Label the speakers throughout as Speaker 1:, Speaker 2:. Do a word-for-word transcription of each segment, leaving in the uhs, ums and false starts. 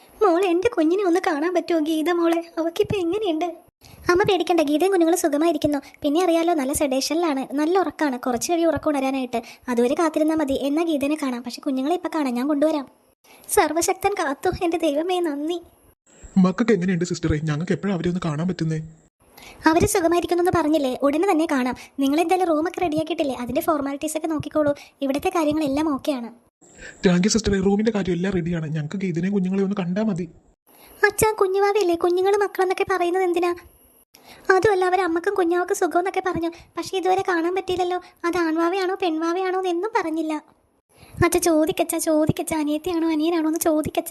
Speaker 1: മോളെ, എൻ്റെ കുഞ്ഞിനെ ഒന്ന് കാണാൻ പറ്റുമോ ഗീത മോളെ? അവക്കിപ്പോൾ എങ്ങനെയുണ്ട്? അമ്മ പേടിക്കണ്ട, ഗീതയും കുഞ്ഞുങ്ങൾ സുഖമായിരിക്കുന്നു. പിന്നെ അറിയാലോ, നല്ല സെഡേഷനിലാണ്, നല്ല ഉറക്കമാണ്. കുറച്ച് കഴിയും ഉറക്കം ഉണരാനായിട്ട്. അതുവരെ കാത്തിരുന്നാൽ മതി. എന്നാൽ ഗീതനെ കാണാം. പക്ഷെ കുഞ്ഞുങ്ങളെ ഇപ്പം കാണാം, ഞാൻ കൊണ്ടുവരാം. സർവശക്തൻ കാത്തു. എൻ്റെ ദൈവമേ, നന്ദി.
Speaker 2: മക്കൾക്ക് എങ്ങനെയുണ്ട് സിസ്റ്ററെ? ഞങ്ങൾക്ക് എപ്പോഴും അവരെ ഒന്ന് കാണാൻ പറ്റുന്നേ?
Speaker 1: അവർ സുഖമായിരിക്കുന്നു പറഞ്ഞില്ലേ, ഉടനെ തന്നെ കാണാം. നിങ്ങൾ എന്തായാലും റൂമൊക്കെ റെഡിയാക്കിയിട്ടില്ലേ? അതിൻ്റെ ഫോർമാലിറ്റീസ് ഒക്കെ നോക്കിക്കോളൂ. ഇവിടുത്തെ കാര്യങ്ങളെല്ലാം ഓക്കെയാണ്.
Speaker 2: താങ്ക് യു സിസ്റ്ററെ. റൂമിന്റെ കാര്യം എല്ലാം റെഡിയാണ്. ഞങ്ങൾക്ക് ഗീതനെയും കുഞ്ഞുങ്ങളെ ഒന്ന് കണ്ടാൽ മതി.
Speaker 1: അച്ഛാ, കുഞ്ഞുവാവയല്ലേ? കുഞ്ഞുങ്ങൾ മക്കളെന്നൊക്കെ പറയുന്നത് എന്തിനാ? അതുമല്ല, അവർ അമ്മക്കും കുഞ്ഞാവക്കും സുഖം എന്നൊക്കെ പറഞ്ഞു. പക്ഷെ ഇതുവരെ കാണാൻ പറ്റിയില്ലല്ലോ. അത് ആൺവാവയാണോ പെൺവാവയാണോ എന്നൊന്നും പറഞ്ഞില്ല. അച്ഛാ ചോദിക്കച്ച ചോദിക്കച്ച അനിയത്തിയാണോ അനിയനാണോ എന്ന് ചോദിക്കച്ച.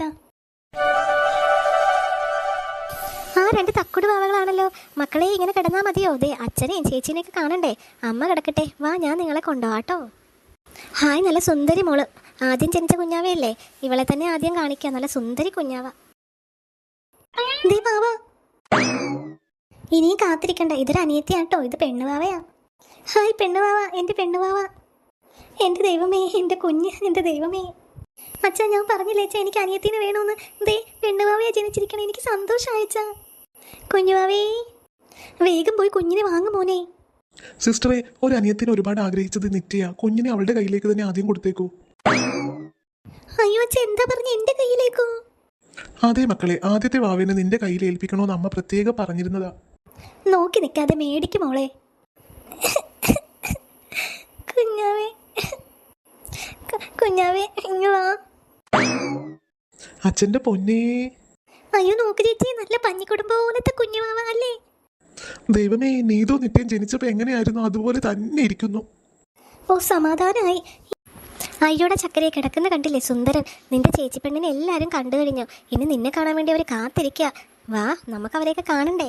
Speaker 1: ആ രണ്ട് തക്കുട് വാവകളാണല്ലോ. മക്കളെ, ഇങ്ങനെ കിടന്നാൽ മതിയോ? ദേ അച്ഛനെയും ചേച്ചീനെയൊക്കെ കാണണ്ടേ? അമ്മ കിടക്കട്ടെ, വാ, ഞാൻ നിങ്ങളെ കൊണ്ടുപോവാട്ടോ. ഹായ്, നല്ല സുന്ദരി മോള്. ആദ്യം ജനിച്ച കുഞ്ഞാവയല്ലേ? ഇവളെ തന്നെ ആദ്യം കാണിക്കാം. നല്ല സുന്ദരി കുഞ്ഞാവ. ദേ വാവ, ഇനിയും കാത്തിരിക്കണ്ട. ഇതൊരു അനിയത്തിയാട്ടോ, ഇത് പെണ്ണുവാവയാ. ഹായ് പെണ്ണുവാവ, എൻ്റെ പെണ്ണുവാവ. എൻ്റെ ദൈവമേ, എൻ്റെ കുഞ്ഞ്, എൻ്റെ ദൈവമേ. അച്ഛാ, ഞാൻ പറഞ്ഞില്ലേ അച്ഛാ, എനിക്ക് അനിയത്തിനെ വേണമെന്ന്. ദേ പെണ്ണുവാവയാ ജനിച്ചിരിക്കണേ. എനിക്ക് സന്തോഷമായച്ചാ. കുഞ്ഞുവാവേ, വേഗം പോയി കുഞ്ഞിനെ വാങ്ങു മോനെ.
Speaker 2: സിസ്റ്ററെ, ഒരു അനിയത്തിനെ ഒരുപാട് ആഗ്രഹിച്ചത് നിത്യ. കുഞ്ഞിനെ അവളുടെ കയ്യിലേക്ക് തന്നെ ആദ്യം കൊടുത്തേക്കൂ.
Speaker 1: അയ്യോ അച്ഛ, എന്താ പറഞ്ഞ എൻ്റെ കയ്യിലേക്കോ?
Speaker 2: അതെ മക്കളെ, ആദ്യത്തെ വാവിനെ നിന്റെ കയ്യിൽ ഏൽപ്പിക്കണമെന്ന് അമ്മ പ്രത്യേകം പറഞ്ഞിരുന്നതാ.
Speaker 1: നോക്കി നിൽക്കാതെ മേടിക്കും മോളെ. കുഞ്ഞാവേ, കുഞ്ഞാവേ, ഇങ്ങ് വാ.
Speaker 2: അച്ഛന്റെ പൊന്നേ.
Speaker 1: അയ്യോ നോക്ക് ചേച്ചി, നല്ല പഞ്ഞിക്കുടുംബ പോലത്തെ കുഞ്ഞുമാവ അല്ലേ?
Speaker 2: ദൈവമേ, നീതോ നിത്യം ജനിച്ചപ്പോ എങ്ങനെയായിരുന്നു അതുപോലെ തന്നെ ഇരിക്കുന്നു.
Speaker 1: ഓ, സമാധാനമായി. അയ്യോടെ ചക്കരയെ കിടക്കുന്ന കണ്ടില്ലേ സുന്ദരൻ. നിന്റെ ചേച്ചി പെണ്ണിനെ എല്ലാവരും കണ്ടു കഴിഞ്ഞു. ഇനി നിന്നെ കാണാൻ വേണ്ടി അവർ കാത്തിരിക്കുക. വാ, നമുക്ക് അവരെയൊക്കെ കാണണ്ടേ?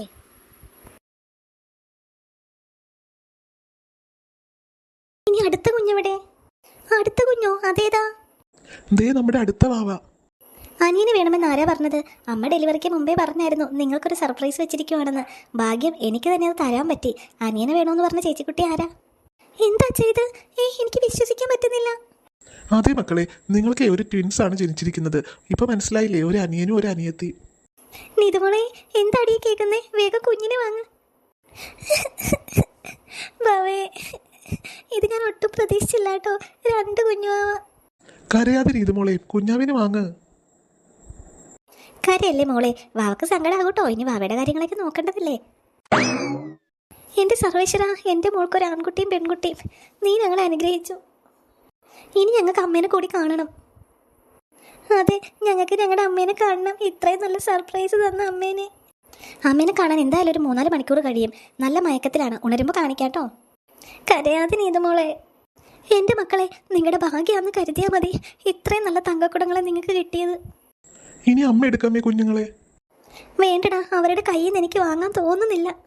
Speaker 1: ഇനി അടുത്ത കുഞ്ഞെവിടെ? അടുത്ത കുഞ്ഞോ? അതേതാ?
Speaker 2: ദേ നമ്മുടെ അടുത്ത വാവ.
Speaker 1: അനിയന് വേണമെന്ന് ആരാ പറഞ്ഞത്? അമ്മ ഡെലിവറിക്ക് മുമ്പേ പറഞ്ഞായിരുന്നു നിങ്ങൾക്കൊരു സർപ്രൈസ് വെച്ചിരിക്കുവാണെന്ന്. ഭാഗ്യം, എനിക്ക് തന്നെ അത് തരാൻ പറ്റി. അനിയനെ വേണമെന്ന് പറഞ്ഞ ചേച്ചിക്കുട്ടി ആരാ? എന്താ ചെയ്ത്? ഏ എനിക്ക് വിശ്വസിക്കാൻ പറ്റുന്നില്ല.
Speaker 2: അതെ മക്കളെ, നിങ്ങൾക്ക് ഒരു ട്വിൻസ് ആണ് ജനിച്ചിരിക്കുന്നത്. ഇപ്പൊ മനസ്സിലായില്ലേ? ഒരു അനിയനും ഒരു അനിയത്തി.
Speaker 1: നിതുമോളെ, എന്താടി കേൾക്കുന്നേ? വേഗം കുഞ്ഞിനെ വാങ്ങ. ബാവേ, ഇത് ഞാൻ ഒട്ടും പ്രതീക്ഷിച്ചില്ല കേട്ടോ. രണ്ട് കുഞ്ഞുവാവ.
Speaker 2: കരയാതെ നീതുമോളെ, കുഞ്ഞാവിനെ വാങ്ങ്.
Speaker 1: കരയല്ലേ മോളെ, വാവക്ക് സങ്കടമാകട്ടോ. ഇനി വാവയുടെ കാര്യങ്ങളൊക്കെ നോക്കേണ്ടതില്ലേ? എൻ്റെ സർവേശ്വര, എൻ്റെ മോൾക്കൊരു ആൺകുട്ടിയും പെൺകുട്ടിയും നീ ഞങ്ങളെ അനുഗ്രഹിച്ചു. ഇനി ഞങ്ങൾക്ക് അമ്മേനെ കൂടി കാണണം. അതെ, ഞങ്ങൾക്ക് ഞങ്ങളുടെ അമ്മേനെ കാണണം. ഇത്രയും നല്ല സർപ്രൈസ് തന്ന അമ്മേനെ. അമ്മേനെ കാണാൻ എന്തായാലും ഒരു മൂന്നാല് മണിക്കൂർ കഴിയും. നല്ല മയക്കത്തിലാണ്. ഉണരുമ്പോൾ കാണിക്കാട്ടോ. കരയാതെ നീതുമോളെ. എൻ്റെ മക്കളെ, നിങ്ങളുടെ ഭാഗ്യമാണെന്ന് കരുതിയാൽ മതി ഇത്രയും നല്ല തങ്കക്കുടങ്ങളെ നിങ്ങൾക്ക് കിട്ടിയത്.
Speaker 2: ഇനി അമ്മ എടുക്കാമേ കുഞ്ഞുങ്ങളെ?
Speaker 1: വേണ്ടടാ, അവരുടെ കയ്യിൽ നിന്ന് എനിക്ക് വാങ്ങാൻ തോന്നുന്നില്ല.